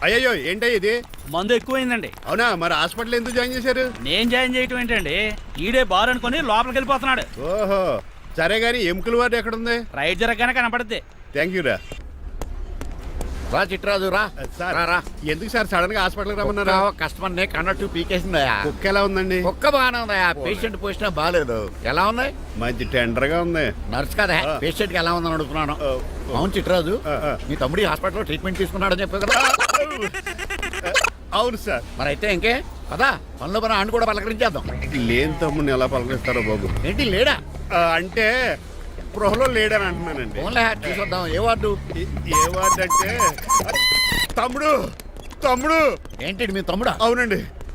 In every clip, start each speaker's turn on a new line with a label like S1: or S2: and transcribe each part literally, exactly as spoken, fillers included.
S1: అయ్యో ఏంటో ఇది
S2: మందు ఎక్కువైందండి.
S1: అవునా? మరి హాస్పిటల్ ఎందుకు జాయిన్ చేశారు?
S2: నేను జాయిన్ చేయటం ఏంటండి, ఈడే బార్ అనుకుని లోపలికి వెళ్ళిపోతున్నాడు.
S1: ఓహో సరే గాని ఎముకల వార్డు ఎక్కడ ఉంది?
S2: రైట్ జరగగానే కనపడుద్ది.
S1: థ్యాంక్ యూ రా.
S3: రా చిట్రాజు రా.
S1: సార్
S3: రా, రా.
S1: ఎందుకు సార్ సడన్ గా హాస్పిటల్ రమ్మన్నారా?
S3: కస్టమర్ ని కన్నట్టు పీకేసిందయా.
S1: కుక్క ఎలా ఉందండి?
S3: కుక్క బాగానే ఉందయా, పేషెంట్ పొజిషన్ బాగాలేదు. ఎలా ఉంది?
S1: మంచి టెండర్ గా ఉంది.
S3: నర్స్ కదా పేషెంట్ కి ఎలా ఉందని అడుగుతున్నాను. అవును చిట్రాజు, మీ తమ్ముడి హాస్పిటల్లో ట్రీట్మెంట్ తీసుకున్నాడని చెప్పావు కదా.
S1: అవును సార్.
S3: మరి అయితే ఇంకే కదా పనులు పని ఆయన కూడా పలకరించేద్దాం.
S1: లేని తమ్ముడిని ఎలా పలకరిస్తారో బాబు.
S3: ఏంటి లేడా?
S1: అంటే గృహలో లేడని అంటున్నానండి.
S3: ఫోన్లే చూసొద్దాం. ఏ వార్డు?
S1: ఏ వార్డు అంటే తమ్ముడు తమ్ముడు
S3: ఏంటి మీ తమ్ముడా?
S1: అవునండి.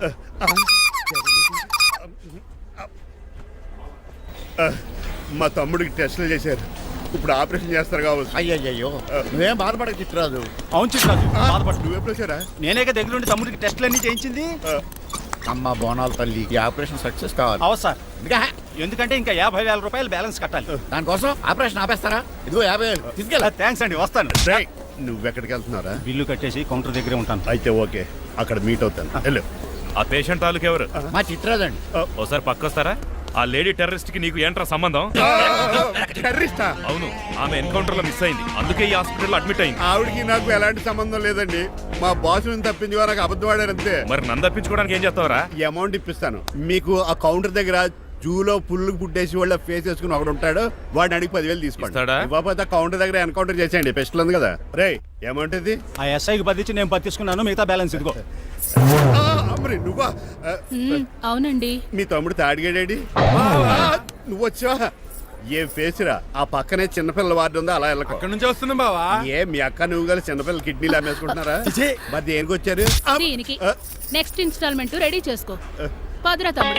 S1: మా తమ్ముడికి టెస్టులు చేశారు, ఇప్పుడు ఆపరేషన్ చేస్తారు కావచ్చు.
S3: అయ్యయ్యో నువ్వేం బాధపడక చిట్రాజు.
S2: అవును చిట్రాజు, బాధపడు.
S1: నువ్వు ఎప్పుడు వచ్చారా?
S2: నేనే దగ్గరుండి తమ్ముడికి టెస్టులు అన్ని చేయించింది.
S3: అమ్మ బోనాల తల్లి, ఈ ఆపరేషన్ సక్సెస్ కావాలి.
S2: అవు సార్,
S3: ఇంకా
S2: ఎందుకంటే ఇంకా యాభై వేల రూపాయలు బ్యాలెన్స్ కట్టాలి.
S3: దానికోసం ఆపరేషన్ ఆపేస్తారా? ఇదిగో యాభై వేలు తీసుకెళ్ళా.
S2: థ్యాంక్స్ అండి, వస్తాను.
S1: నువ్వెక్కడికి వెళ్తున్నారా?
S2: బిల్లు కట్టేసి కౌంటర్ దగ్గరే ఉంటాను.
S1: అయితే ఓకే, అక్కడ మీట్ అవుతాను. వెళ్ళు.
S4: ఆ పేషెంట్ తాలూకు ఎవరు?
S3: మా చిట్రాజు అండి.
S4: ఓసారి పక్కొస్తారా? ఆ లేడీ టెర్రరిస్ట్ కి నీకు ఏంట్రా సంబంధం?
S1: టెర్రరిస్టా?
S4: అవును, ఆమె ఎన్కౌంటర్ లో మిస్ అయింది, అందుకే ఈ హాస్పిటల్ అడ్మిట్ అయింది.
S1: ఆవిడకి నాకు ఎలాంటి సంబంధం లేదండి. మా బాస్ నుంచి తప్పించి నాకు అబద్ధం ఆడారు అంతే.
S4: మరి నన్ను తప్పించుకోవడానికి ఏం చేస్తావరా?
S1: ఈ అమౌంట్ ఇప్పిస్తాను మీకు. ఆ కౌంటర్ దగ్గర జూలో పుల్లు పుట్టేసి వాళ్ళ ఫేస్ వేసుకుని ఒకడు ఉంటాడు, వాడిని అడిగి పదివేలు తీసుకోండి. ఇవ్వకపోతే కౌంటర్ దగ్గర ఎన్కౌంటర్ చేసేయండి. పెస్టల్ ఉంది కదా. రే అమౌంట్ ఇది.
S2: ఆ ఎస్ఐకి బదిలించి నేను బతి తీసుకున్నాను, మిగతా బ్యాలెన్స్ ఇదిగో.
S1: అమ్మరి నువ్వా?
S5: అవునండి.
S1: మీ తమ్ముడు తాడిగాడేడి? నువ్వు వచ్చావా? ఏం ఫేస్ రా. ఆ పక్కనే చిన్నపిల్లల వార్డు ఉందా, అలా వెళ్ళకు.
S4: అక్కడ నుంచి వస్తున్నాం బావా.
S1: ఏ మీ అక్క నువ్వు గల చిన్నపిల్లల కిడ్నీలు అమ్మేసుకుంటున్నారా? మరి దేనికి వచ్చారు?
S5: దీనికి నెక్స్ట్ ఇన్స్టాల్మెంట్ రెడీ చేసుకో. పదరా తమ్ముడు.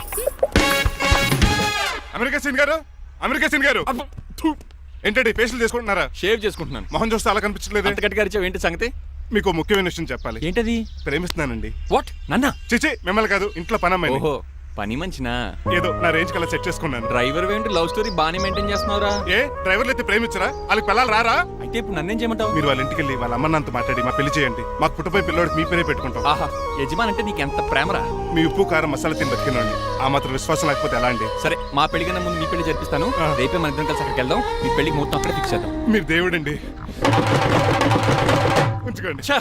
S6: అమెరికా సీన్ గారు, అమెరికా సీన్ గారు ఏంటండి ఫేషియల్ చేసుకుంటున్నారా?
S7: షేవ్ చేసుకుంటున్నాను.
S6: మొహం చూస్తే అలా కనిపించలేదు.
S7: అంత గట్టిగా అరిచావు, ఏంటి సంగతి?
S6: మీకు ముఖ్యమైన విషయం చెప్పాలి.
S7: ఏంటది?
S6: ప్రేమిస్తున్నానండి.
S7: వాట్? నన్నా?
S6: చిచి మిమ్మల్ని కాదు, ఇంట్లో పని అమ్మాయి.
S7: ఓహో, పని మంచినా?
S6: ఏదో నా రేంజ్ కల్లా సెట్ చేసుకున్నాను.
S7: డ్రైవర్ ఏంటి లవ్ స్టోరీ బానే మెయింటైన్ చేస్తున్నావురా?
S6: ఏ డ్రైవర్లు అయితే ప్రేమించరా? వాళ్ళకి పిల్లలు రారా?
S7: అయితే ఇప్పుడు నన్నేం చేయమంటావు?
S6: మీరు వాళ్ళ ఇంటికి వెళ్ళి వాళ్ళ అమ్మ నాన్నతో మాట్లాడి మా పెళ్లి చేయండి. మాకు పుట్టపోయి పిల్లోడికి మీ పేరే పెట్టుకుంటాం.
S7: ఆహా, యజమాన్ అంటే నీకు ఎంత ప్రేమరా?
S6: మీ ఉప్పు కారం మసాలా తిని బతికినండి. ఆ మాత్రం విశ్వాసం లేకపోతే ఎలా అండి?
S7: సరే, మా పెళ్లి కన్నా ముందు మీ పెళ్లి జరిపిస్తాను. రేపే మన ఇద్దరం కలిసి అక్కడికి వెళ్దాం. మీ పెళ్లికి మొత్తం అక్కడే ఫిక్స్ చేద్దాం.
S6: మీరు దేవుడండి. ఉంచుకోండి.
S7: ఛా!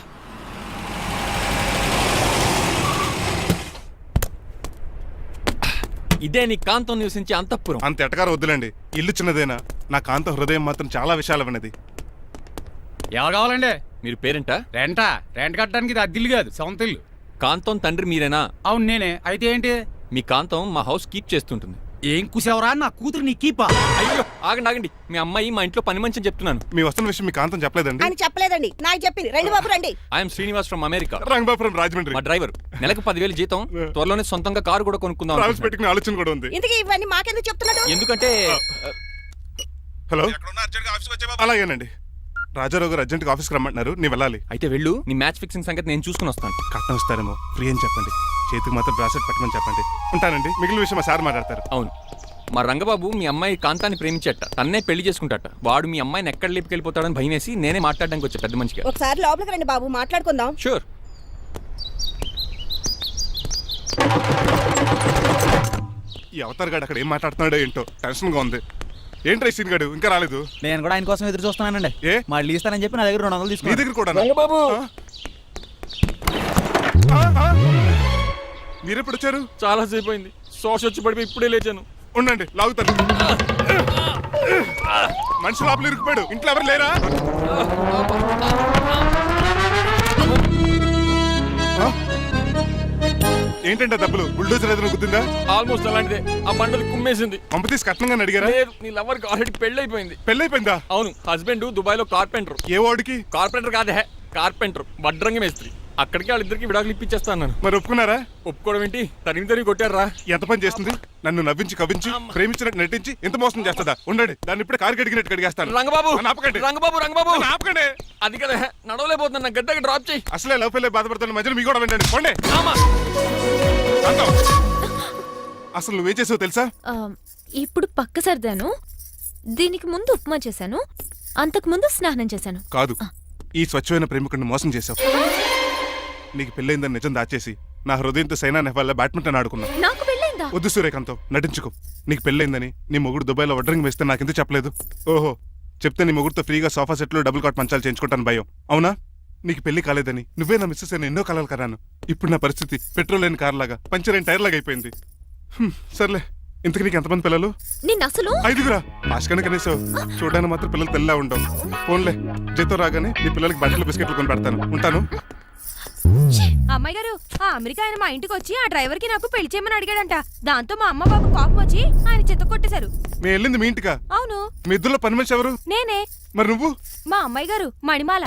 S7: ఇదే నీ కాంతం నివసించే అంతఃపురం.
S6: అంత ఎటకారం వద్దులండి, ఇల్లు చిన్నదేనా. నా కాంత హృదయం మాత్రం చాలా విశాలమైనది.
S2: ఎవరు కావాలండి?
S7: మీరు పేరెంటా?
S2: రెంటా? రెంట్ కట్టడానికి ఇది అద్దిల్లు కాదు, సొంత ఇల్లు.
S7: కాంతం తండ్రి మీరేనా?
S2: అవును నేనే. అయితే ఏంటి?
S7: మీ కాంతం మా హౌస్ కీప్ చేస్తుంటుంది.
S2: ఏం కూసావరా? నా కూతురు నీ కీపా?
S7: అయ్యో ఆగండి ఆగండి, మీ అమ్మాయి మా ఇంట్లో పని మంచి చెప్తున్నాను.
S6: మీ వస్తున్న విషయం మీ కాంతం చెప్పలేదండి?
S8: అని చెప్పలేదండి, నాకు చెప్పింది. రండి బాబు రండి.
S7: I'm Srinivas from America.
S6: Rangabapuram Rajahmundry.
S7: మా డ్రైవర్. నెలకు పదివేలు జీతం, త్వరలోనే సొంతంగా కారు కూడా కొనుక్కుందాం.
S6: ట్రావెల్స్ పెట్టుకునే ఆలోచన కూడా ఉంది.
S8: ఇంతకీ ఇవన్నీ మాకెందుకు చెప్తున్నాడు?
S7: ఎందుకంటే
S6: హలో, అలాగేనండి. రాజారావు గారు అర్జెంట్గా ఆఫీస్కి రమ్మంటున్నారు, నీ వెళ్ళాలి.
S7: అయితే వెళ్ళు, నీ మ్యాచ్ ఫిక్సింగ్ సంగతి నేను చూసుకుని వస్తాను.
S6: కట్నం ఇస్తారేమో, ఫ్రీ అని చెప్పండి. చేతికి మాత్రం బ్రాసెట్ పెట్టమని చెప్పండి. ఉంటానండి. మిగిలిన విషయం మా సార్ మాట్లాడతారు.
S7: అవును, మా రంగబాబు మీ అమ్మాయి కాంతాన్ని ప్రేమించట, తన్నే పెళ్లి చేసుకుంటాట. వాడు మీ అమ్మాయిని ఎక్కడ లేపుకెళ్ళిపోతాడని భయం వేసి నేనే మాట్లాడడానికి వచ్చా పెద్ద మనిషిగా.
S8: ఒకసారి లోపలికి రండి బాబు, మాట్లాడుకుందాం.
S7: షూర్.
S6: ఈ అవతార్ గాడు అక్కడ ఏం మాట్లాడుతున్నాడో ఏంటో టెన్షన్ గా ఉంది. ఏంట్రా సీన్ గాడు ఇంకా రాలేదు?
S2: నేను కూడా ఆయన కోసం ఎదురు చూస్తున్నానండి.
S6: ఏ
S2: మళ్ళీ ఇస్తానని చెప్పి నా దగ్గర రెండు వందలు
S6: నీ
S2: తీసుకుని.
S6: దగ్గర కూడా
S7: రంగబాబు
S6: మీరెప్పుడు వచ్చారు?
S7: చాలా సేపు అయింది, శోష వచ్చి పడిపోయి ఇప్పుడే లేచాను.
S6: ఉండండి లాగుతాను. మనిషి లోపల ఇరుక్కుపోయాడు, ఇంట్లో ఎవరు లేరా? ఏంటంటే డబ్బులు బుల్డోజర్ ఏదైనా గుద్దిందా?
S7: ఆల్మోస్ట్ అలాంటిదే. ఆ బండలు కుమ్మేసింది.
S6: పంప తీసి కట్నంగా అడిగారా?
S7: లేదు, నీ లవర్ కి ఆల్రెడీ పెళ్లి అయిపోయింది.
S6: పెళ్ళైపోయిందా?
S7: అవును, హస్బెండ్ దుబాయ్ లో కార్పెంటర్.
S6: ఏ వాడికి?
S7: కార్పెంటర్ కాదే, కార్పెంటర్, వడ్రంగి మేస్త్రి. అక్కడికి వాళ్ళిద్దరికి విడాకులు ఇప్పించేస్తాను.
S6: మరి ఒప్పుకున్నారా?
S7: ఒప్పుకోవడం ఏంటి, తరిమి తరిమి కొట్టారా.
S6: ఎంత పని చేస్తుంది? నన్ను నవ్వించి కవ్వించి ప్రేమించినట్టు నటించి ఎంత మోసం చేస్తుందా? ఉండండి, దాన్ని ఇప్పుడే కారు కడిగినట్టు కడిగేస్తాను.
S7: రంగబాబు
S6: ఆపకండి.
S7: రంగబాబు రంగబాబు
S6: ఆపకండి.
S7: అది కదా, నడవలేకపోతున్నా, నా గడ్డకి డ్రాప్ చేయి.
S6: అసలే లవ్ ఫెయిల్ బాధపడుతున్న మధ్యలో మీ కూడా వింటండి. పోండి. అసలు నువ్వేం చేసావు తెలుసా?
S5: ఇప్పుడు పక్క సర్దాను. దీనికి ముందు ఉప్మా చేశాను, అంతకు ముందు స్నానం చేశాను.
S6: కాదు, ఈ స్వచ్ఛమైన ప్రేమికుడిని మోసం చేశావు. నీకు పెళ్ళైందని నిజం దాచేసి నా హృదయంతో సైనా నెహ్వాల్ బ్యాడ్మింటన్ ఆడుకున్నా.
S9: నాకు పెళ్ళైందా?
S6: వద్దు సూర్యకాంతం, నటించుకో. నీకు పెళ్ళైందని నీ మొగుడు దుబాయ్లో వడ్రింగ్ వేస్తే నాకెందుకు చెప్పలేదు? ఓహో, చెప్తే నీ మొగుడుతో ఫ్రీగా సోఫా సెట్లు డబుల్ కాట్ మంచాలు చేయించుకుంటాను భయం. అవునా? నీకు పెళ్లి కాలేదని నువ్వే నా మిస్సెస్ అని ఎన్నో కలలు కరాను. ఇప్పుడు నా పరిస్థితి పెట్రోల్ లేని కార్ లాగా, పంచర్ అయిన టైర్ లాగా అయిపోయింది. హ్మ్, సర్లే. ఇంతకు నీకు ఎంతమంది పిల్లలు?
S9: నిన్న అసలు
S6: ఐదుగురా. ఆశకనే కనీసం చూడడానికి మాత్రం పిల్లలు తెల్లా ఉండవు. ఫోన్లే, జీతం రాగానే నీ పిల్లలకి బట్టలు బిస్కెట్లు కొని పెడతాను. ఉంటాను.
S9: అమ్మాయి గారు, ఆ అమెరికా ఆయన మా ఇంటికి వచ్చి ఆ డ్రైవర్ కి నాకు పెళ్లి చేయమని అడిగాడంట. దాంతో మా అమ్మ బాబు కోపం వచ్చి ఆయన చెత్త కొట్టేశారు.
S6: నేను వెళ్ళింది మీ ఇంటికా?
S9: అవును.
S6: మీ ఇద్దరులో పని మనిషి ఎవరు?
S9: నేనే.
S6: మరి నువ్వు?
S9: మా అమ్మాయి గారు మణిమాల.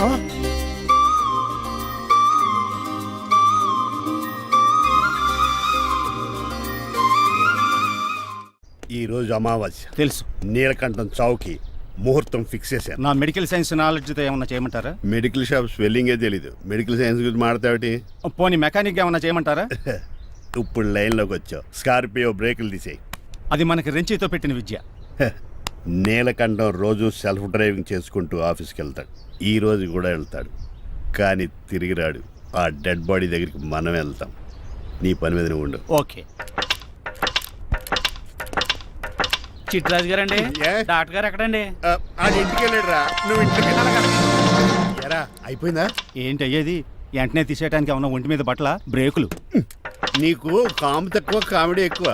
S1: ఈ రోజు అమావాస్య
S2: తెలుసు.
S1: నీలకంఠం చౌకి ముహూర్తం ఫిక్స్ చేశాను.
S2: నా మెడికల్ సైన్స్ నాలెడ్జ్తో ఏమన్నా చేయమంటారా?
S1: మెడికల్ షాప్ స్వెల్లింగే తెలీదు, మెడికల్ సైన్స్ గురించి మాట్లాడతావిటి?
S2: పోనీ మెకానిక్ ఏమన్నా చేయమంటారా?
S1: ఇప్పుడు లైన్లోకి వచ్చావు. స్కార్పియో బ్రేకులు తీసేయి.
S2: అది మనకి రెంచితో పెట్టిన విద్య.
S1: నీలకంఠం రోజు సెల్ఫ్ డ్రైవింగ్ చేసుకుంటూ ఆఫీస్కి వెళ్తాడు. ఈ రోజు కూడా వెళ్తాడు, కానీ తిరిగి రాడు. ఆ డెడ్ బాడీ దగ్గరికి మనం వెళ్తాం. నీ పని మీద నువ్వు ఉండు.
S2: ఓకే. చిట్రాజు గారండి,
S1: ఏ?
S2: డాక్టర్ గారు ఎక్కడండి?
S1: ఆ, ఆడు ఇంటికి వెళ్ళాడు రా, నువ్వు ఇంటికి ఎరా. అయిపోయిందా?
S2: ఏంటి అయ్యేది? వెంటనే తీసేయడానికి ఏమన్నా ఒంటి మీద బట్టల బ్రేకులు?
S1: నీకు కాము తక్కువ, కామెడీ ఎక్కువ.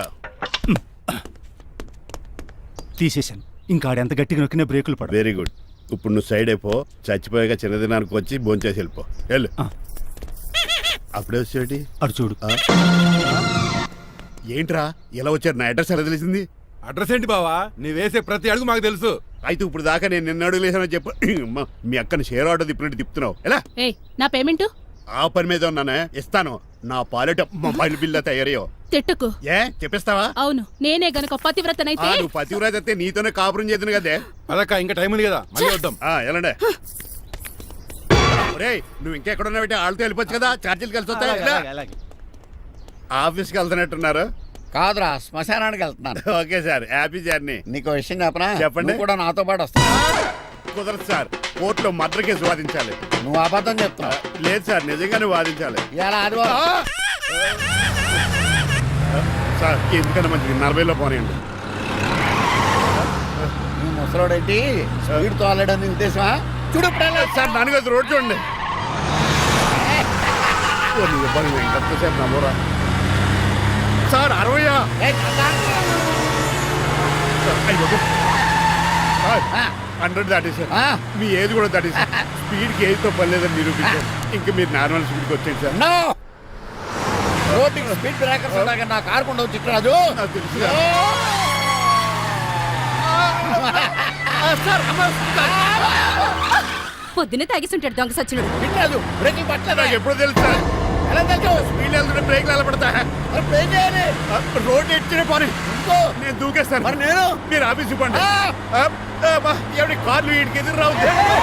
S2: తీసేశాను. ఇంకా ఆడు ఎంత గట్టిగా నొక్కినా బ్రేకులు పడ.
S1: Very good. ఇప్పుడు నువ్వు సైడ్ అయిపో. చచ్చిపోయాక చిన్నదినానికి వచ్చి భోంచేసి వెళ్ళిపో. వెళ్ళు.
S2: ఆ.
S1: అప్పుడే వచ్చేటి.
S2: అడు చూడు.
S1: ఏంట్రా ఇలా వచ్చారు? నా అడ్రస్ ఎలా తెలిసింది?
S10: అడ్రస్ ఏంటి బావా? నీ వేసే ప్రతి అడుగు మాకు తెలుసు.
S1: అయితే ఇప్పుడు దాకా నేను నిన్న అడుగులేసానని చెప్పు. అమ్మా, మీ అక్కని షేర్ ఆర్డర్ తిప్పినట్టు తిప్పుతున్నావు. ఎలా?
S5: ఏయ్, నా పేమెంట్
S1: ఆ పని మీద ఉన్నానే, ఇస్తాను. నా పాలెట మొబైల్ బిల్లా తయారయ్యో.
S5: తిట్టుకు.
S1: ఏ చెప్పిస్తావా?
S5: అవును, నేనే గనక పతివ్రతనైతే.
S1: నువ్వు పతివ్రత అయితే నీతోనే కాపురం చేతును కదే.
S10: అదక్క, ఇంకా టైం ఉంది కదా, మళ్ళీ వద్దాం.
S1: ఆ, ఎలాండే. ఒరేయ్, నువ్వు ఇంకెక్కడున్నా పెట్టి వాళ్ళతో వెళ్ళిపోవచ్చు కదా, ఛార్జీలు కలిసి వస్తాయి. ఎలా?
S2: అలాగే, అలాగే.
S1: ఆఫీస్కి వెళ్తున్నట్టున్నారు.
S3: కాదురా, శ్మశానానికి వెళ్తున్నాను.
S1: Okay sir, happy journey.
S3: నీకు విషయం చెప్పనా?
S1: చెప్పండి.
S3: నువ్వు కూడా నాతో పాటు వస్తావు.
S1: కుదరదు సార్, కోర్టులో మర్డర్ కేసు వాదించాలి.
S3: నువ్వు అబద్ధం చెప్తున్నావు.
S1: లేదు సార్, నిజంగానే వాదించాలి.
S3: ఇలా ఆదివారం
S1: సార్, ఎందుకన్నా మంచిది నలభైలో పోనీయండి.
S3: నువ్వు ముసలోడేంటి స్పీడ్ తోలడని ఉద్దేశమా? చూడు
S1: సార్, దానికి అది రోడ్ చూడండి. ఎంతసేపు నమ్మరా సార్? అరవయా? హండ్రెడ్ దాటేసారు. మీ ఏది కూడా దాటేసారు. స్పీడ్కి ఏదితో పని లేదని నిరూపించారు. ఇంకా మీరు నార్మల్ స్పీడ్కి వచ్చేది సార్.
S3: రోడ్డుకి స్పీడ్ బ్రేకర్స్ ఉండగా నా కారు కొండ చిట్రాజు.
S1: నాకు తెలుసు సార్.
S9: పొద్దున్నే తాగిస్తుంటాడు దొంగ సచ్చినుడు.
S3: చిట్రాజు బ్రేకింగ్ పట్టలేదు.
S1: నాకు ఎప్పుడు తెలుసు సార్?
S3: ఎలా తెలుసు?
S1: స్పీడ్ వెళ్తుంటే బ్రేక్లు ఎలా పడతా?
S3: బ్రేక్ చేయాలి.
S1: రోడ్డు ఎచ్చిన పని
S3: ఇంకో
S1: నేను దూకేస్తాను.
S3: మరి నేను?
S1: మీరు ఆఫీస్ ఇవ్వండి. ఎవరి కార్లు వీడికి ఎదురు రావు.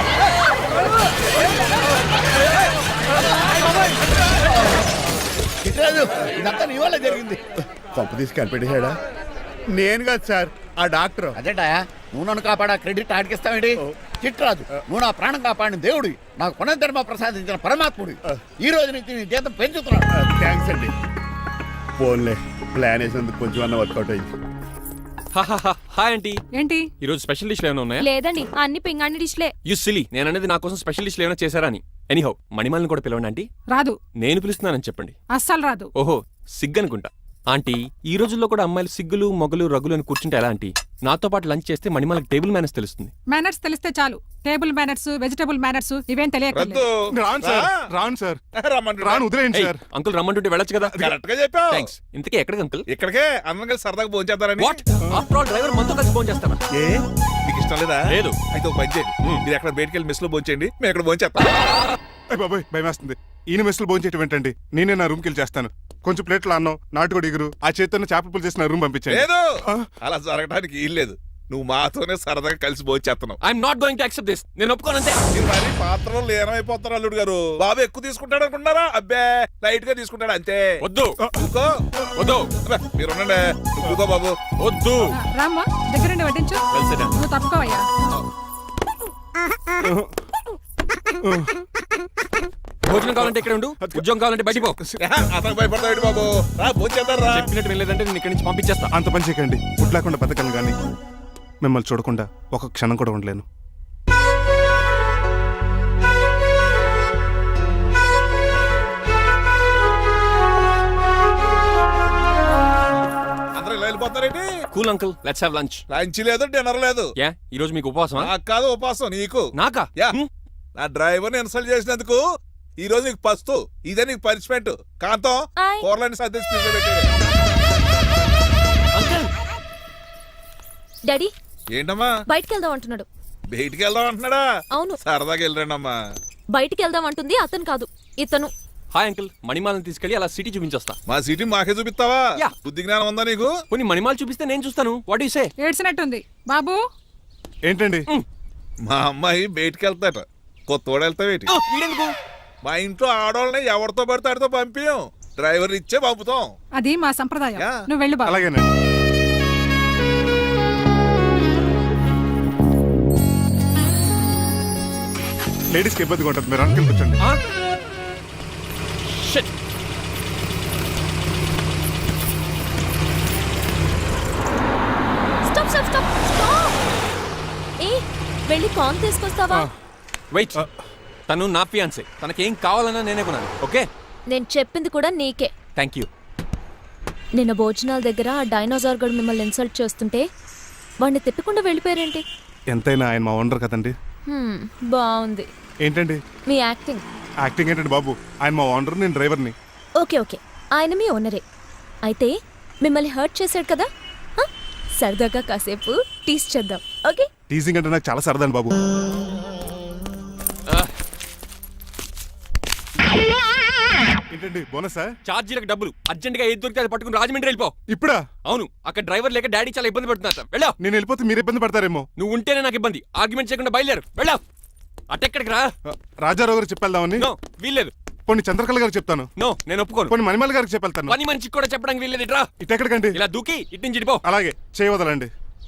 S3: చిట్రాజు, ఇదంతా నీ వల్ల జరిగింది.
S1: కొంప తీసి కనిపెట్టేశాడా? నేను కాదు సార్, ఆ డాక్టర్.
S3: అదేంటా నువ్వు నన్ను కాపాడా క్రెడిట్ ఆడికిస్తావేంటి? చిట్రాజు, నువ్వు నా ప్రాణం కాపాడిన దేవుడి, నాకు పునర్ధర్మ ప్రసాదించిన పరమాత్ముడి. ఈ రోజు నుంచి నీ జీతం పెంచుతున్నాడు.
S1: థ్యాంక్స్ అండి. ఫోన్లే, ప్లాన్ వేసినందుకు కొంచెం అన్న వర్కౌట్ అయింది.
S7: Hi aunty.
S9: ఏంటి
S7: ఈ రోజు స్పెషల్ డిష్లు ఏమైనా ఉన్నాయా?
S9: లేదండి, అన్ని పింగాణి డిష్లే.
S7: యు సిలీ, నేను అనేది నా కోసం స్పెషల్ డిష్లు ఏమైనా చేశారా అని. ఎనీహౌ, మణిమాలని కూడా పిలవండి ఆంటీ.
S5: రాదు,
S7: నేను పిలుస్తున్నానని చెప్పండి.
S5: అస్సలు రాదు.
S7: ఓహో, సిగ్గనుకుంటా. ఆంటీ, ఈ రోజుల్లో కూడా అమ్మాయిలు సిగ్గులు మొగలు రగులు అని కూర్చుంటే ఎలా ఆంటీ? నాతో పాటు లంచ్ చేస్తే మణిమాలకి టేబుల్ మేనేజ్ తెలుస్తుంది.
S5: మేనర్స్ తెలిస్తే చాలు. టేబుల్ మేనర్స్, వెజిటబుల్ మేనర్స్ ఇవేం తెలియదు.
S6: రాను సార్, రాను సార్, రాను, వదిలేయండి సార్.
S7: అంకుల్ రమ్మంటుంటే వెళ్ళొచ్చు కదా.
S10: కరెక్ట్ గా చెప్పావు.
S7: థ్యాంక్స్. ఇంతకీ ఎక్కడికి అంకుల్?
S10: ఇక్కడికే అందరం కలిసి సరదాగా భోజనం చేద్దారని.
S7: వాట్? ఆఫ్టర్ ఆల్ డ్రైవర్ మనతో కలిసి ఫోన్ చేస్తారా?
S10: ఏ మీకు ఇష్టం లేదా?
S7: లేదు.
S10: అయితే ఒక పని చేయండి, మీరు ఎక్కడ బయటికి వెళ్ళి మెస్ లో భోజనం చేయండి, మేము ఎక్కడ భోజనం చేస్తాం.
S6: అయ్య బాబాయ్, భయం వేస్తుంది. ఈయన మెస్సులు భోంచేయటం ఏంటండి? నేనే నా రూమ్కి వెళ్ళి చేస్తాను. కొంచెం ప్లేట్లు అన్నం, నాటుకోడి ఇగురు, ఆ చేతితో చేపల పులుసు చేసి నా రూమ్ పంపించండి.
S10: లేదు, అలా జరగడానికి ఏం లేదు. నువ్వు మాతోనే సరదాగా కలిసి భోజనం చేస్తున్నావు.
S7: I'm not going to accept this. నేను ఒప్పుకోనంతే.
S10: మీరు మరి పాత్రలో లీనమైపోతారు అల్లుడు గారు. బాబు ఎక్కువ తీసుకుంటాడు అనుకుంటారా? అబ్బే, లైట్ గా తీసుకుంటాడు అంతే.
S7: వద్దు,
S10: ఊకో.
S7: వద్దు.
S10: అబ్బే, మీరు ఉండండి. నువ్వు ఊకో బాబు.
S7: వద్దు.
S5: రామ్మా, దగ్గరుండి వడ్డించు.
S7: Well said.
S5: నువ్వు తప్పుకోవయ్యా.
S7: భోజనం కావాలంటే ఇక్కడ ఉండు, ఉద్యోగం కావాలంటే బయటికి పో.
S10: అతను భయపడతాడు బాబు. రా భోజనం చేద్దాం రా.
S7: చెప్పినట్టు వెళ్ళలేదంటే నేను ఇక్కడి నుంచి పంపించేస్తా.
S6: అంత పని చేయకండి. ఫుడ్ లేకుండా బతకను కానీ మిమ్మల్ని చూడకుండా ఒక క్షణం కూడా ఉండలేను.
S10: అందరూ ఇలా వెళ్ళిపోతారేంటి?
S7: Cool uncle, let's have lunch.
S10: Lunch లేదు, డిన్నర్ లేదు.
S7: యా ఈ రోజు మీకు ఉపవాసమా?
S10: నాకు కాదు ఉపాసం, నీకు.
S7: నాకా?
S10: యా
S7: హ్మ్.
S10: నా డ్రైవర్ని ఇన్సల్ట్ చేసినందుకు ఈ రోజు నీకు పస్తు, ఇదే నీకు పనిష్మెంట్. కాంతం
S9: ఆయ్.
S10: కూరలని సర్ది స్పీడ్ లో పెట్టాడు.
S9: అంకుల్ డాడీ
S10: ఏంటమ్మా
S9: బయటికి వెళ్దాం అంటున్నాడు.
S10: బయటికి వెళ్దాం అంటున్నాడా?
S9: అవును.
S10: సరదాగా వెళ్ళరండి అమ్మా.
S9: బయటికి వెళ్దాం అంటుంది అతను కాదు, ఇతను.
S7: హాయ్ అంకుల్, మణిమాలను తీసుకెళ్లి అలా సిటీ చూపించొస్తా.
S10: మా సిటీ మాకే చూపిస్తావా?
S7: యా.
S10: బుద్ధి జ్ఞానం ఉందా నీకు?
S7: కొన్ని మణిమాలు చూపిస్తే నేను చూస్తాను. What you say?
S5: ఏడ్చినట్టుంది బాబు.
S6: ఏంటండి?
S10: మా అమ్మాయి బయటికి వెళ్తాట, కొత్తోడు వెళ్తావేటి?
S7: వీడెందుకు?
S10: మా ఇంట్లో ఆడవాళ్ళని ఎవరితో పడితే ఆడితో పంపించం, డ్రైవర్ ఇచ్చే పంపుతాం.
S5: అది మా సంప్రదాయం.
S10: యా.
S5: నువ్వు వెళ్ళు బాబు.
S6: అలాగేనండి. లేడీస్కి ఇబ్బందిగా ఉంటుంది, మీరు అనుకుని కూర్చోండి.
S7: ఆ? Shit.
S9: Stop stop stop stop. ఏ వెళ్ళి కాన్ తీసుకొస్తావా?
S7: వెయిట్, తను నా ఫియాన్సే. తనకేం కావాలన్నా నేనే కొనాలి. ఓకే,
S9: నేను చెప్పింది కూడా నీకే.
S7: Thank you.
S9: నిన్న భోజనాల దగ్గర ఆ డైనోసార్ గడు మిమ్మల్ని ఇన్సల్ట్ చేస్తుంటే వాడిని తిప్పకుండా వెళ్ళిపోయారేంటి?
S6: ఎంతైనా ఆయన మా ఓనర్ కదండి.
S9: హ్మ్, బాగుంది
S6: ఏంటండి
S9: మీ యాక్టింగ్.
S6: యాక్టింగ్ ఏంటండి బాబు? ఆయన మా ఓనర్, నేను డ్రైవర్ని.
S9: ఓకే ఓకే, ఆయన మీ ఓనరే అయితే మిమ్మల్ని హర్ట్ చేశాడు కదా, హ? సరదాగా కాసేపు టీస్ చేద్దాం. ఓకే
S6: టీజింగ్ అంటే నాకు చాలా సరదాని బాబు. ఏంటండి బోనసా?
S7: ఛార్జీలకు డబ్బులు అర్జెంట్ గా ఏది దొరికితే అది పట్టుకుని రాజమండ్రి వెళ్ళిపో.
S6: ఇప్పుడా?
S7: అవును, అక్కడ డ్రైవర్ లేక డాడీ చాలా ఇబ్బంది పడుతున్నారు. వెళ్ళా.
S6: నేను వెళ్ళిపోతే మీరు ఇబ్బంది పడతారేమో.
S7: నువ్వు ఉంటేనే నాకు ఇబ్బంది. ఆర్గ్యుమెంట్ చేయకుండా బయలుదేరు. వెళ్ళా. అటెక్కడికి రా.
S6: రాజారావు గారు చెప్పేద్దామని.
S7: నో వీల్లేదు.
S6: పోనీ చంద్రకళ గారికి చెప్తాను.
S7: నో నేను ఒప్పుకోను.
S6: పోనీ మణిమాల గారికి చెప్పెళ్తాను.
S7: పని మనిషికి కూడా చెప్పడానికి వీల్లేదు. ఇట్రా.
S6: ఇటెక్కడికండి?
S7: ఇలా దూకి ఇటు నుంచి ఇడిపో.
S6: అలాగే చేయవదలండి.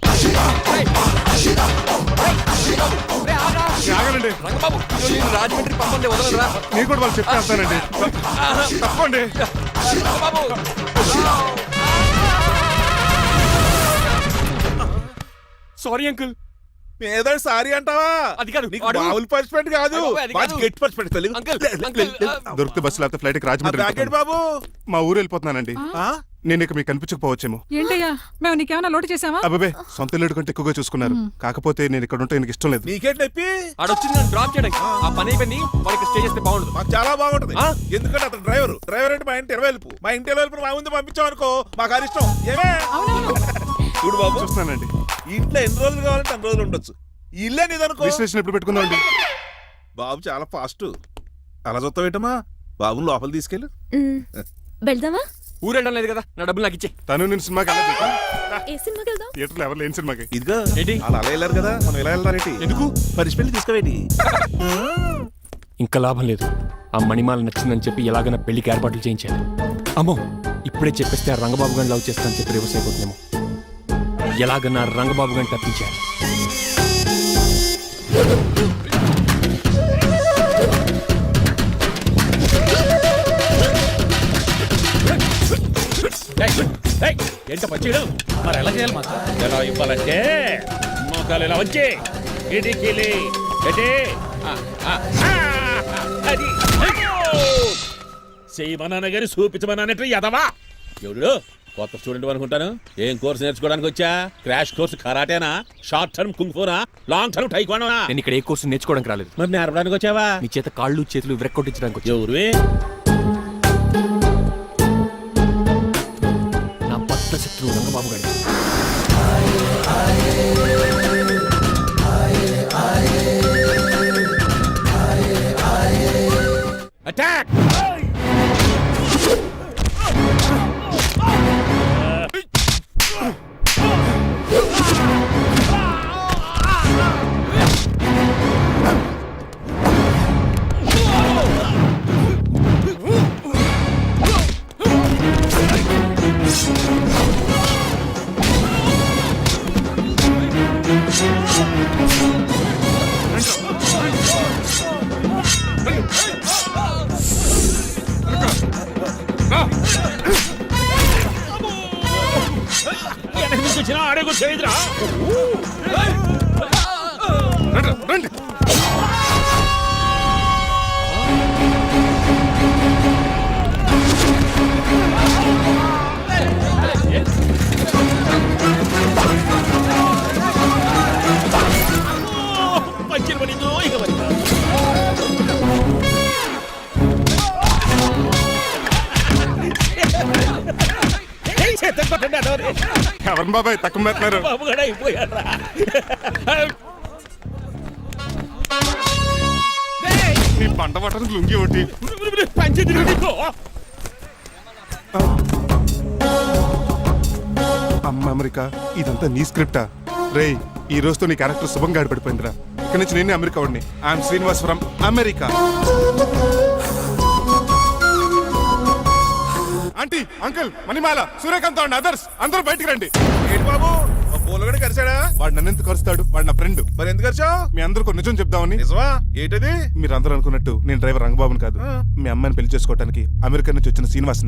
S6: ఆగనండి
S7: రంగబాబు, ఈరోజు నేను రాజమండ్రి పంపండి, వదలరా.
S6: నేను కూడా వాళ్ళు చెప్తే వెళ్తానండి. తప్పండి.
S7: రంగబాబు. Sorry uncle.
S10: ఏదో సారీ అంటావా?
S7: అది కాదు,
S10: నీకు
S7: వాడు-
S10: మామూలు పనిష్మెంట్ కాదు,
S7: అయ్య బాబోయ్, అది
S10: మంచి
S7: కాదు.
S10: గట్టి పనిష్మెంట్. తెలుగు
S7: అంకుల్, అంకుల్,
S6: దొరికితే బస్సు లేకపోతే ఫ్లైట్ కి రాజమండ్రి
S10: బ్యాకెట్
S6: వెళ్ళిపోతాను.
S10: బాబు.
S6: మా ఊరు వెళ్ళిపోతున్నానండి.
S10: ఆ?
S6: నేను ఇక మీకు కనిపించకపోవచ్చేమో.
S5: ఏంటయ్యా మేము నీకేమైనా లోటు చేసావా?
S6: అబ్బాబే సొంత లేడు కంటే ఎక్కువగా చూసుకున్నారు. కాకపోతే నేను ఇక్కడ ఉంటే నాకు ఇష్టం లేదు.
S10: నీకేంటి నొప్పి?
S7: ఆడొచ్చింది నన్ను డ్రాప్ చేయడానికి. ఆ పని అయిపోయింది. వాళ్ళకి స్టే చేస్తే బాగుండదు.
S10: మాకు చాలా బాగుంటది.
S7: ఆ?
S10: ఎందుకంటే అతను డ్రైవర్ డ్రైవర్ అంటే మా ఇంటి ఇరవై వెళ్ళిపు మా ఇంటి ఇరవై మా ముందు పంపించాం అనుకో, మాకు అది ఇష్టం. ఏమే చూడు బాబు,
S6: చూస్తున్నానండి.
S10: ఈ ఇంట్లో ఎన్ని రోజులు కావాలంటే అన్ని రోజులు ఉండొచ్చు. ఈ ఇల్లే నీదనుకో.
S6: విశ్లేషణ ఎప్పుడు పెట్టుకుందామండి?
S10: బాబు చాలా ఫాస్ట్. అలా చూస్తావేటమ్మా? బాబుని లోపల తీసుకెళ్ళు.
S9: మ్, వెళ్దామా?
S7: ఊరు వెళ్ళడం లేదు కదా, నా డబ్బులు నాకు ఇచ్చే.
S6: తను నేను సినిమాకి వెళ్ళదు.
S9: ఏ సినిమాకి వెళ్దాం?
S6: థియేటర్లో ఎవరు లేని సినిమాకి.
S10: ఇదిగో
S7: ఏంటి?
S10: అలా అలా వెళ్ళారు కదా, మనం ఇలా వెళ్దారేంటి?
S7: ఎందుకు?
S10: పరిశీలి తీసుకోవేటి?
S7: ఇంకా లాభం లేదు. ఆ మణిమాల నచ్చిందని చెప్పి ఎలాగైనా పెళ్లికి ఏర్పాట్లు చేయించాలి. అమ్మో, ఇప్పుడే చెప్పేస్తే ఆ రంగబాబు గారిని లవ్ చేస్తానని చెప్పి రివర్స్ అయిపోతుందేమో. ఎలాగన్నా రంగబాబు గారిని తప్పించాలి.
S2: ఏంట పచ్చిడు మరి ఎలా చేయాలి మాత్రం? ఎలా ఇవ్వాలంటే మోకాలు ఇలా వచ్చి ఇడికిలి ఎటే అది చేయమన్నాను గారి చూపించమన్నట్టు ఎదవా ఎవడు కొత్త స్టూడెంట్ అనుకుంటాను. ఏం కోర్సు నేర్చుకోవడానికి వచ్చా? క్రాష్ కోర్సు కరాటేనా, షార్ట్ టర్మ్ కుంగ్ఫూనా, లాంగ్ టర్మ్ టైక్వాండోనా?
S7: నేను ఇక్కడ ఏ కోర్సు నేర్చుకోవడానికి రాలేదు.
S2: మరి నేర్పడానికి వచ్చావా?
S7: నీ చేత కాళ్ళు చేతులు విరక్కొట్టించడానికి వచ్చా.
S2: ఎవరువే?
S7: నా బద్ద శత్రువు రంగబాబు గారి.
S2: అటాక్! కూర్చున్నా ఆడే కూర్చోయిద్రా.
S6: రండి, రండి.
S2: పంచిన పడిందో ఇక పడిందా.
S6: ఎవరిని బాబాయ్ తక్కువ పెడుతున్నారు?
S2: బాబు కూడా అయిపోయారా.
S6: నీ పంట పట్టడం లుంగి ఒకటి.
S2: పంచి తిరిగి
S6: అమ్మ అమెరికా, ఇదంతా నీ స్క్రిప్టా? రేయ్, ఈ రోజుతో నీ క్యారెక్టర్ శుభంగా ఆడిపడిపోయిందిరా. ఇక్కడి నుంచి నేనే అమెరికా వాడిని. I'm Srinivas from America. Aunty, uncle, Manimala, Suryakanth and others అందరూ బయటికి రండి.
S10: ఏంటి బాబు పూలగడ కలిసాడా?
S6: వాడు నన్ను ఎందుకు కరుస్తాడు? వాడు నా ఫ్రెండ్.
S10: మరి ఎందుకు కలిసావు?
S6: మీ అందరికీ ఒక నిజం చెప్దామని.
S10: నిజమా? ఏంటది?
S6: మీరు అందరూ అనుకున్నట్టు నేను డ్రైవర్ రంగబాబుని కాదు. మీ అమ్మాయిని పెళ్లి చేసుకోవడానికి అమెరికా నుంచి వచ్చిన శ్రీనివాస్ని.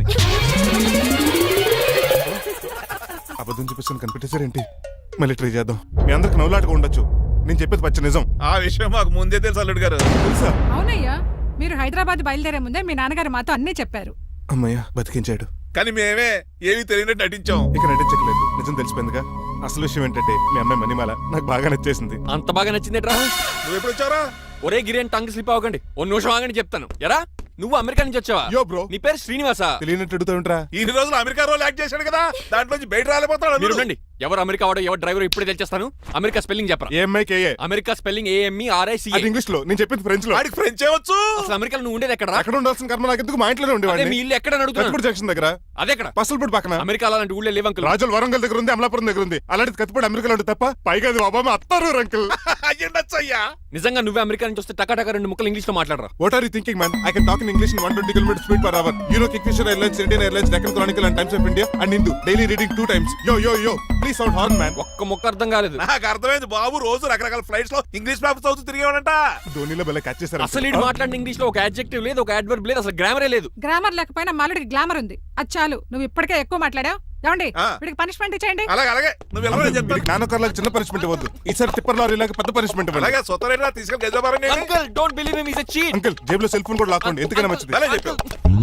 S6: అబద్ధం చూపిస్తాను కనిపెట్టేశారేంటి? మళ్ళీ ట్రై చేద్దాం. మీ అందరికి నవ్వులాటగా ఉండొచ్చు. నేను చెప్పేది పచ్చ నిజం.
S10: ఆ విషయం మాకు ముందే తెలుసు అల్లుడు గారు.
S6: తెలుసా?
S5: అవునయ్యా, మీరు హైదరాబాద్ బయలుదేరే ముందే మీ నాన్నగారు మాతో అన్నీ చెప్పారు.
S6: అమ్మయ్య, బతికించాడు.
S10: కానీ మేమే ఏమీ తెలియనట్టు నటించాం.
S6: ఇక నటించట్లేదు, నిజం తెలిసిపోయిందిగా. అసలు విషయం ఏంటంటే మీ అమ్మాయి మణిమాల నాకు బాగా నచ్చేసింది.
S7: అంత బాగా నచ్చిందేట్రా?
S10: నువ్వు ఎప్పుడు వచ్చారా?
S7: ఒరే గిరి టంగ్ స్లిప్ అవ్వకండి, ఓ నిమిషం ఆగండి చెప్తాను. ఎరా, నువ్వు అమెరికా నుంచి వచ్చావా?
S6: యో బ్రో,
S7: నీ పేరు శ్రీనివాసా?
S6: తెలియనట్టు అడుగుతా ఉంటారా?
S10: ఇన్ని రోజులు అమెరికా రోల్ యాక్ట్ చేశాడు కదా, దాంట్లోంచి బయట రాలేపోతాడు.
S7: మీరు ఉండండి. ఎవరు అమెరికా వాడో ఎవరు డ్రైవర్ ఇప్పుడే తెలిచేస్తాను. అమెరికా స్పెల్లింగ్ చెప్పరా?
S6: ఏ అమ్మాయికి ఏ?
S7: America spelling A M E R I C.
S6: అది ఇంగ్లీష్ లో, నేను చెప్పింది ఫ్రెంచ్ లో.
S10: వాడికి ఫ్రెంచ్ ఏవచ్చు.
S7: అసలు అమెరికాలో నువ్వు ఉండేది ఎక్కడ?
S6: అక్కడ ఉండాల్సిన కర్మ నాకు ఎందుకు? మా ఇంట్లోనే
S7: అదే
S6: ఉండేవాడిని.
S7: మీ ఇల్లు ఎక్కడ అడుగుతున్నాను?
S6: కత్తిపూడి జంక్షన్ దగ్గర.
S7: అదెక్కడ?
S6: పసలపూడి పక్కన.
S7: అమెరికా అలాంటి ఊళ్ళో లేవు అంకుల్.
S6: రాజుల వరంగల్ దగ్గర ఉంది, అమలాపురం దగ్గర ఉంది. అలాంటి కత్తిపూడి అమెరికాలో ఉంటుంది తప్ప. పైగా అది ఒబామా అత్తారు అంకుల్.
S10: అయ్యుండొచ్చు అయ్యా.
S7: నిజంగా నువ్వే అమెరికా నుంచి వస్తే టకా టకా రెండు ముక్కలు ఇంగ్లీష్ లో మాట్లాడరా?
S6: What are you thinking, man? I can talk in English in one hundred twenty kilometers speed per hour. You know Kingfisher Airlines, Indian Airlines, Deccan Chronicle and Times of India and Hindu. Daily reading two times. Yo, yo, yo. Please sound horn, man.
S7: ఒక్క ముక్క అర్థం కాలేదు.
S10: నాకు అర్థమైంది బాబు. రోజు రకరకాల flights లో English papers చదువుతూ తిరిగేవాడంట.
S6: ధోనిలో బల క్యాచ్ చేశారు.
S7: అసలు ఇటు మాట్లాడిన ఇంగ్లీష్ లో ఒక అడ్జెక్టివ్ లేదు, ఒక అడ్వర్బ్ లేదు, అసలు గ్రామరే లేదు.
S5: గ్రామర్ లేకపోయినా మాలుడికి గ్లామర్ ఉంది. అది చాలు, నువ్వు ఇప్పటికే ఎక్కువ మాట్లాడావు. ఏమండి, వీడికి పనిష్మెంట్ ఇచ్చేయండి.
S10: అలాగే అలాగే నువ్వు ఎలా చెప్తాను.
S6: నానొకర్లకు చిన్న పనిష్మెంట్ ఇవ్వద్దు. ఈసారి టిప్పర్ లారీలాగా పెద్ద పనిష్మెంట్ ఇవ్వండి.
S10: అలాగే సొత్తరేనా తీసుకెళ్ళి గెజబారని.
S7: Uncle don't believe him, he is a cheat.
S6: Uncle, జేబులో సెల్ ఫోన్ కూడా లాక్కోండి, ఎందుకైనా మంచిది.
S10: అలా చెప్పావు.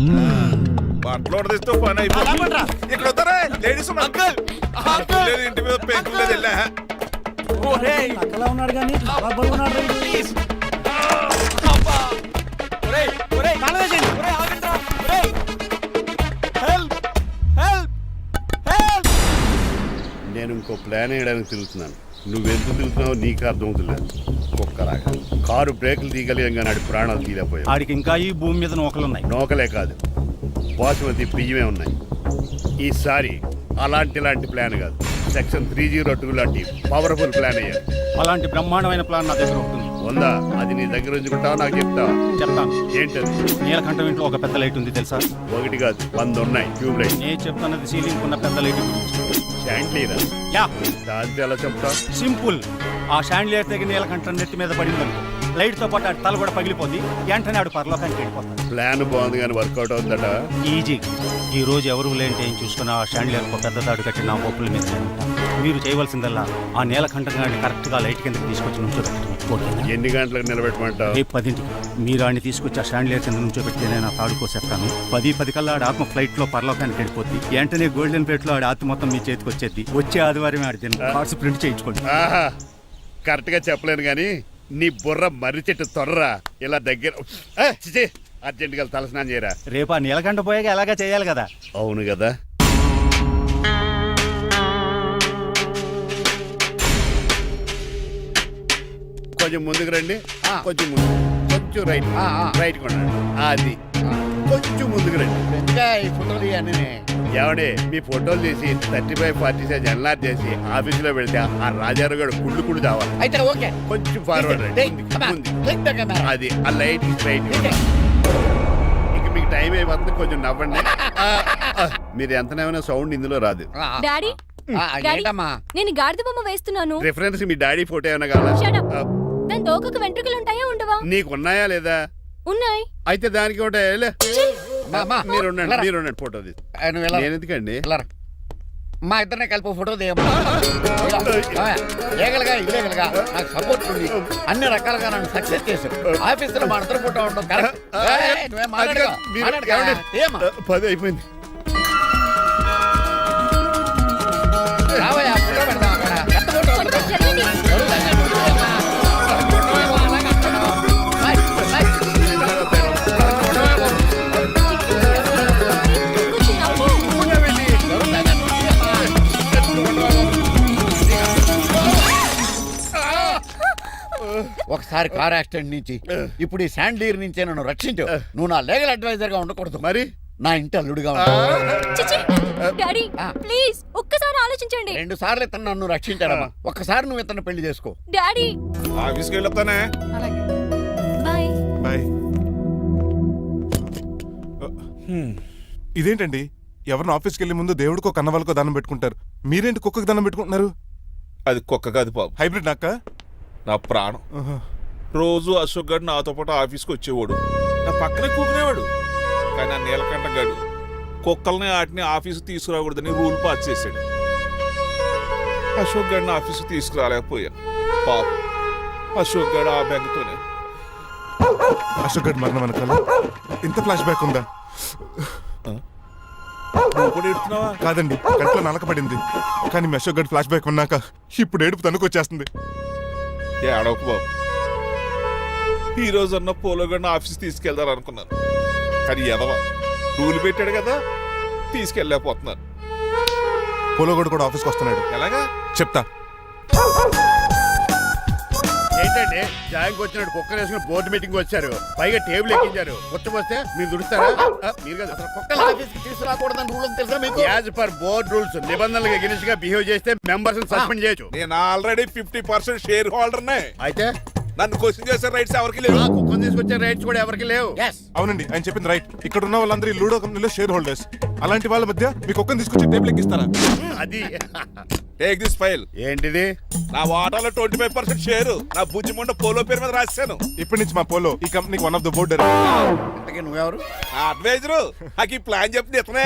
S10: బట్టలు తీస్తూ పని అయిపోయింది. ఇక్కడ వస్తారా లేడీస్
S7: అంకుల్ అంకుల్
S10: లేదు, ఇంటి మీద పెంకులు లేదు. వెళ్ళా
S7: ఒరేయ్
S3: అలా ఉన్నాడు కానీ బాగున్నాడు.
S7: ప్లీజ్ అబ్బా ఒరేయ్ ఒరేయ్ కాలవేశండి. ఒరేయ్ ఆగండ్రా. ఒరేయ్ హెల్ప్ హెల్ప్ హెల్ప్.
S1: నేను ఇంకో ప్లాన్ వేయడానికి తిరుగుతున్నాను. నువ్వెందుకు తిరుగుతున్నావు నీకు అర్థమవుతులేదు. కుక్కలాగా కారు బ్రేకులు తీయగలిగాం కానీ ఆడి ప్రాణాలు తీయలేకపోయావు.
S3: ఆడికి ఇంకా ఈ భూమి మీద నూకలున్నాయి.
S1: నోకలే కాదు, బాసుమతి బియ్యమే ఉన్నాయి. ఈసారి అలాంటి ఇలాంటి ప్లాన్ కాదు, సెక్షన్ త్రీ జీరో టూ లాంటి పవర్ఫుల్ ప్లాన్ అయ్యారు.
S3: అలాంటి బ్రహ్మాండమైన ప్లాన్ నా దగ్గర ఉంటుంది.
S1: ఉందా? అది నీ దగ్గర ఉంచుకుంటావా నాకు చెప్తావా?
S3: చెప్తాను.
S1: ఏంటది?
S3: నీలకంఠం ఇంట్లో ఒక పెద్ద లైట్ ఉంది తెలుసా?
S1: ఒకటి కాదు, వంద ఉన్నాయి ట్యూబ్ లైట్.
S3: నేను చెప్తున్నది సీలింగ్ ఉన్న పెద్ద లైట్ గురించి.
S1: శాండ్లీరా?
S3: యా,
S1: దాంతో ఎలా చెప్తా?
S3: సింపుల్. ఆ షాండ్లియర్ దగ్గర నీలకంఠం నెత్తి మీద పడింది లైట్ తో పాటు ఆడి తల కూడా పగిలిపోద్ది. వెంటనే ఆడు పరలోకానికి వెళ్ళిపోతాడు.
S1: ప్లాన్ బాగుంది కానీ వర్కౌట్ అవుతుందట.
S3: ఈజీ. ఈ రోజు ఎవరు లేంటే ఏం చూసుకున్న ఆ షాండ్లియర్ పెద్ద దాడు కట్టి నా ఒప్పుల మీద ఉంటా. మీరు చేయవలసిందల్లా ఆ నీలకంఠం గారిని కరెక్ట్ గా లైట్ కిందకి తీసుకొచ్చి నుంచోబెట్టండి. ఓకేనా?
S1: ఎన్ని గంటలకు నిలబెట్టమంటావు?
S3: రేపు పదింటికి మీరు ఆడిని తీసుకొచ్చి ఆ షాండ్లియర్ కింద నుంచోబెడితే నేను ఆ తాడు కోసేస్తాను. పది పది కల్లా ఆడ ఆత్మ ఫ్లైట్ లో పరలోకానికి వెళ్ళిపోద్ది. వెంటనే గోల్డెన్ ప్లేట్ లో ఆడి ఆత్మ మొత్తం మీ చేతికి వచ్చేది. వచ్చే ఆదివారం ఆడి తిన్న కార్డ్స్ ప్రింట్ చేయించుకోండి.
S1: ఆహా, కరెక్ట్ గా చెప్పలేను కానీ నీ బుర్ర మర్రి చెట్టు తొర్రా. ఇలా దగ్గర అర్జెంట్ గా తలస్నానం చేయరా.
S3: రేపు ఆ నీలకంఠ పోయాక ఎలాగా చేయాలి కదా.
S1: అవును కదా. కొంచెం ముందుకు రండి. కొంచెం ముందు, కొంచెం రైట్ రైట్ కొనండి. అది కొంచెం ముందుకు రండి.
S3: ఈ ఫోటోలు ఇవన్నీ
S1: ఏమండి, మీ ఫోటోలు తీసి thirty five forty size enlarge చేసి ఆఫీసులో పెడితే ఆ రాజారావు గారు కుళ్ళు కుళ్ళు కావాలి.
S3: అయితే ఓకే.
S1: కొంచెం ఫార్వర్డ్ రండి. ముందుకి, ముందుకి. అది ఆ లైట్ స్ట్రైట్. ఇక మీకు టైం అయిపోతుంది, కొంచెం నవ్వండి. ఆ, ఆ, మీరు ఎంతనేమైనా సౌండ్ ఇందులో రాదు.
S9: డాడీ
S3: ఏంటమ్మా?
S9: నేను గాడిద బొమ్మ వేస్తున్నాను.
S1: రిఫరెన్స్ మీ డాడీ ఫోటో ఏమైనా కావాలా? ఆ,
S9: దాని తోకకు వెంట్రుకలు ఉంటాయా ఉండవా?
S1: నీకు ఉన్నాయా లేదా?
S9: ఉన్నాయి.
S1: అయితే దానికి ఒకటే మీరు ఉండండి, మీరు ఉండండి ఫోటో తీసి. నేను ఎందుకండి?
S10: మా ఇద్దరిని కలిపి ఫోటో దిగమ్మా లీగల్గా ఇల్లీగల్గా నాకు సపోర్ట్ ఉంది అన్ని రకాలుగా నన్ను సక్సెస్ చేశారు ఆఫీసులో మా ఇద్దరు ఫోటో ఉండడం కరెక్ట్ నువ్వేం మాట్లాడుకో. మాట్లాడుకో. ఏమ్మా?
S1: పది అయిపోయింది.
S10: రావయ్యా, ఫోటో పెడదాం అక్కడ. ఎంత ఫోటో పెడదాం? జరుగుతుందా? నువ్వు ఏమ్మా? ఫోటో ఏమో అలాగే అంటున్నావు. Bye, bye. ఫోటో ఏమో. ఫోటో వెళ్ళి. జరుగుతుందా? నువ్వు ఏమ్మా? ఒకసారి కార్ యాక్సిడెంట్ నుంచి ఇప్పుడు ఈ శాండ్లీర్ నుంచే నన్ను రక్షించు. నువ్వు నా లీగల్ అడ్వైజర్ గా ఉండకూడదు,
S1: మరి
S10: నా ఇంటి అల్లుడుగా ఉంటావు.
S9: డాడీ ప్లీజ్ ఒక్కసారి ఆలోచించండి.
S10: రెండు సార్లు ఇతను నన్ను రక్షించాడమ్మా, ఒక్కసారి నువ్వు ఇతను పెళ్లి చేసుకో.
S9: డాడీ
S10: ఆఫీస్కి వెళ్ళొస్తానే.
S5: అలాగే.
S9: బాయ్.
S6: బాయ్. ఇదేంటండి, ఎవరిని ఆఫీస్కి వెళ్ళే ముందు దేవుడికో కన్నవాళ్ళకో దండం పెట్టుకుంటారు, మీరేంటి కుక్కకి దండం పెట్టుకుంటున్నారు?
S10: అది కుక్క కాదు బాబు,
S6: హైబ్రిడ్ నాక్క.
S10: నా ప్రాణం. రోజు అశోక్ గడు నాతో పాటు ఆఫీస్కి వచ్చేవాడు, నా పక్కనే కూకునేవాడు. కానీ ఆ నీలకంఠ గడు కుక్కల్ని వాటిని ఆఫీసు తీసుకురాకూడదని రూల్ పాస్ చేశాడు. అశోక్ గడిని ఆఫీసు తీసుకురాలేకపోయా. పాప అశోక్ గడు ఆ బెంగతోనే.
S6: అశోక్ గడ్ మరణం వెనకాల ఇంత ఫ్లాష్ బ్యాక్ ఉందా?
S10: నువ్వు కూడా ఎడుతున్నావా?
S6: కాదండి, కంట్లో నలక పడింది. కానీ మీ అశోక్ గడ్ ఫ్లాష్ బ్యాక్ ఉన్నాక ఇప్పుడు ఏడుపు తనుకొచ్చేస్తుంది.
S10: ఏడవకు బాబు, ఈ రోజు అన్న పోలో గడిని ఆఫీస్ తీసుకెళ్దాం అనుకున్నాను, కానీ ఎదవ రూల్ పెట్టాడు కదా, తీసుకెళ్ళలేకపోతున్నాను.
S6: పోలోగోడు కూడా ఆఫీస్కి వస్తున్నాడు.
S10: ఎలాగా
S6: చెప్తా.
S1: ఏంటండి జాయింగ్ వచ్చినట్టు కుక్కర్ వేసుకుని బోర్డు మీటింగ్ వచ్చారు, పైగా టేబుల్ ఎక్కించారు. వస్తే మీరు దుడుస్తారా? ఆ, మీరు కదా అసలు
S10: కుక్కల ఆఫీస్కి తీసుకురాకూడదని రూల్ తెలుసా మీకు?
S1: యాజ్ పర్ బోర్డ్ రూల్స్ నిబంధనలకు ఎగినెస్ట్ గా బిహేవ్ చేస్తే మెంబర్స్ సస్పెండ్ చేయొచ్చు.
S10: నేను already fifty percent shareholder నే.
S1: అయితే
S10: నన్ను క్వశ్చన్ చేసే రైట్స్ ఎవరికి లేవు.
S1: ఆ కుక్కను తీసుకొచ్చే రైట్స్ కూడా ఎవరికి లేవు.
S6: అవునండి, ఆయన చెప్పింది రైట్. ఇక్కడ ఉన్న వాళ్ళందరూ ఈ లూడో కంపెనీలో షేర్ హోల్డర్స్. అలాంటి వాళ్ళ మధ్య మీ కుక్కను తీసుకొచ్చి టేబుల్ ఎక్కిస్తారా?
S1: అది
S10: టేక్ దిస్ ఫైల్.
S1: ఏంటిది?
S10: నా వాటాలో ట్వంటీ ఫైవ్ పర్సెంట్ షేర్ నా బుజ్జి ముండ పోలో పేరు మీద రాశాను.
S6: ఇప్పటి నుంచి మా పోలో ఈ కంపెనీకి వన్ ఆఫ్ ద బోర్డ్.
S10: ఇంతకీ నువ్వెవరు? అడ్వైజరు. నాకు ఈ ప్లాన్ చెప్పింది ఇతనే.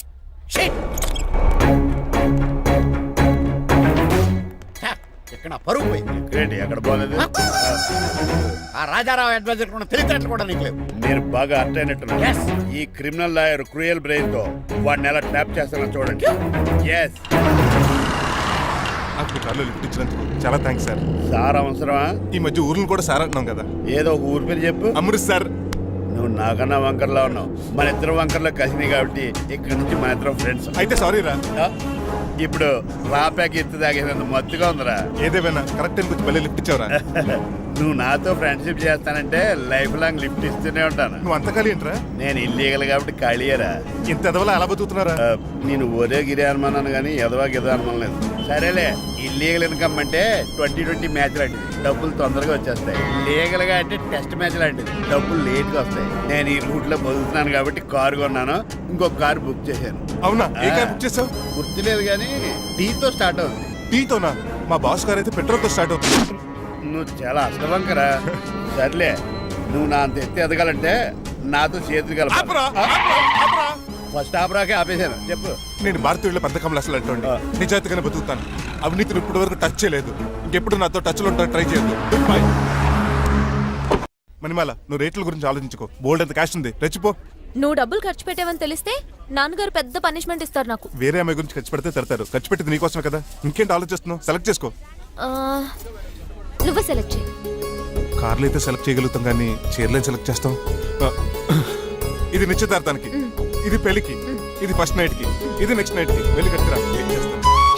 S10: ఇక్కడ నా పరుగు పోయింది.
S1: ఏంటి ఎక్కడ బాగలేదు?
S10: ఆ రాజారావు అడ్వైజర్ కూడా తెలియటట్లు కూడా నీకు లేవు.
S1: మీరు బాగా అర్థ అయినట్టున్నారు. ఈ క్రిమినల్ లాయర్ క్రూయల్ బ్రెయిన్ తో వాడిని ఎలా ట్యాప్ చేస్తానో చూడండి. ఎస్,
S6: నాకు మీ కార్లో లిఫ్ట్ ఇచ్చినందుకు చాలా థ్యాంక్స్ సార్.
S1: సార్ అవసరమా?
S6: ఈ మధ్య ఊర్లు కూడా సార్ అంటున్నాం కదా.
S1: ఏదో ఒక ఊరి పేరు చెప్పు.
S6: అమృత్ సార్.
S1: నువ్వు నాకన్నా వంకర్లా ఉన్నావు. మన ఇద్దరు వంకర్లో కలిసినాయి కాబట్టి ఇక్కడ నుంచి మన ఇద్దరం ఫ్రెండ్స్.
S6: అయితే సారీ రా.
S1: ఇప్పుడు రాపాకి ఎత్తు తాగేదంత మత్తుగా ఉందిరా.
S6: ఏదేమైనా కరెక్ట్ టైంకి వచ్చి మళ్ళీ లిఫ్ట్ ఇచ్చావురా.
S1: నువ్వు నాతో ఫ్రెండ్షిప్ చేస్తానంటే లైఫ్ లాంగ్ లిఫ్ట్ ఇస్తూనే ఉంటాను.
S6: నువ్వు అంత ఖాళీ ఏంట్రా?
S1: నేను ఇల్లీగల్ కాబట్టి ఖాళీయరా.
S6: ఇంత ఎదవలా ఎలా బతుకుతున్నారా?
S1: ఆ, నేను ఒరే గిరి అనుమానాను కానీ ఎదవా గిదా అనుమానం లేదు. సరేలే, ఇల్లీగల్ ఇన్కమ్ అంటే ట్వంటీ ట్వంటీ మ్యాచ్ లాంటిది, డబ్బులు తొందరగా వచ్చేస్తాయి. లీగల్ గా అంటే టెస్ట్ మ్యాచ్ లాంటిది, డబ్బులు లేట్ గా వస్తాయి. నేను ఈ రూట్ లో బతుకుతున్నాను కాబట్టి కారు కొన్నాను, ఇంకొక కారు బుక్ చేశాను.
S6: అవునా? ఏ కార్ బుక్ చేసావు?
S1: గుర్తులేదు కానీ టీతో స్టార్ట్ అవుతుంది.
S6: టీతోనా? మా బాస్ కార్ అయితే పెట్రోల్ తో స్టార్ట్ అవుతుంది.
S1: నువ్వు చాలా అష్టవంకరా. సర్లే, నువ్వు నా అంత ఎత్తి ఎదగాలంటే నాతో చేతులు కలప. ఫస్ట్ ఆపరాకే ఆపేశాను. చెప్పు.
S6: నేను భారతీయుల పెద్ద కమలు అసలు అంటోండి. నిజాయితీగానే బతుకుతాను. అవినీతిని ఇప్పటి వరకు టచ్ చేయలేదు. ఇంకెప్పుడు నాతో టచ్ లో ఉంటాను ట్రై చేయొద్దు. బాయ్. మణిమాల, నువ్వు రేట్ల గురించి ఆలోచించుకో. బోల్డ్ అంత క్యాష్ ఉంది, రెచ్చిపో.
S9: నువ్వు డబ్బులు ఖర్చు పెట్టావని తెలిస్తే నాన్నగారు పెద్ద పనిష్మెంట్ ఇస్తారు నాకు.
S6: వేరే అమ్మాయి గురించి ఖర్చు పెడితే తడతారు. ఖర్చు పెట్టింది నీకోసమే కదా. ఇంకేంటి ఆలోచిస్తున్నావు? సెలెక్ట్ చేసుకో.
S9: ఆ, నువ్వే సెలెక్ట్ చేయి.
S6: కార్లు అయితే సెలెక్ట్ చేయగలుగుతాం కానీ చీరలేం సెలెక్ట్ చేస్తాం. ఆ, ఇది నిశ్చితార్థానికి, ఇది పెళ్లికి, ఇది ఫస్ట్ నైట్ కి, ఇది నెక్స్ట్ నైట్ కి. వెళ్ళి కట్టుకురా. ఏం చేస్తాను?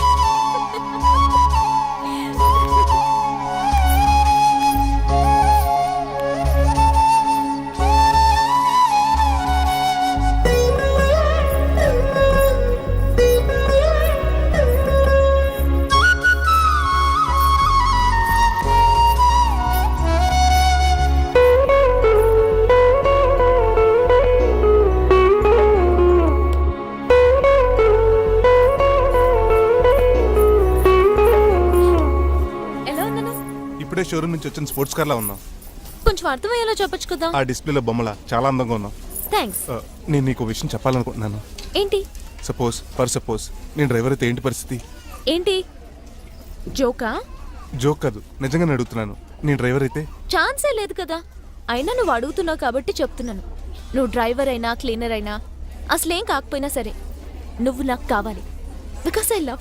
S6: షోరూమ్ నుంచి వచ్చిన స్పోర్ట్స్ కార్ లా ఉన్నావు.
S9: కొంచెం అర్థమయ్యేలా చెప్పొచ్చు కదా.
S6: ఆ డిస్ప్లేలో బొమ్మల చాలా అందంగా ఉన్నావు.
S9: థ్యాంక్స్.
S6: నేను నీకు విషయం చెప్పాలనుకుంటున్నాను.
S9: ఏంటి?
S6: సపోజ్ ఫర్ సపోజ్ నేను డ్రైవర్ అయితే ఏంటి పరిస్థితి?
S9: ఏంటి జోకా?
S6: జోక్ కాదు, నిజంగానే అడుగుతున్నాను. నేను డ్రైవర్ అయితే
S9: ఛాన్సే లేదు కదా. అయినా నువ్వు అడుగుతున్నావు కాబట్టి చెప్తున్నాను. నువ్వు డ్రైవర్ అయినా క్లీనర్ అయినా అసలేం కాకపోయినా సరే నువ్వు నాకు కావాలి. Because I love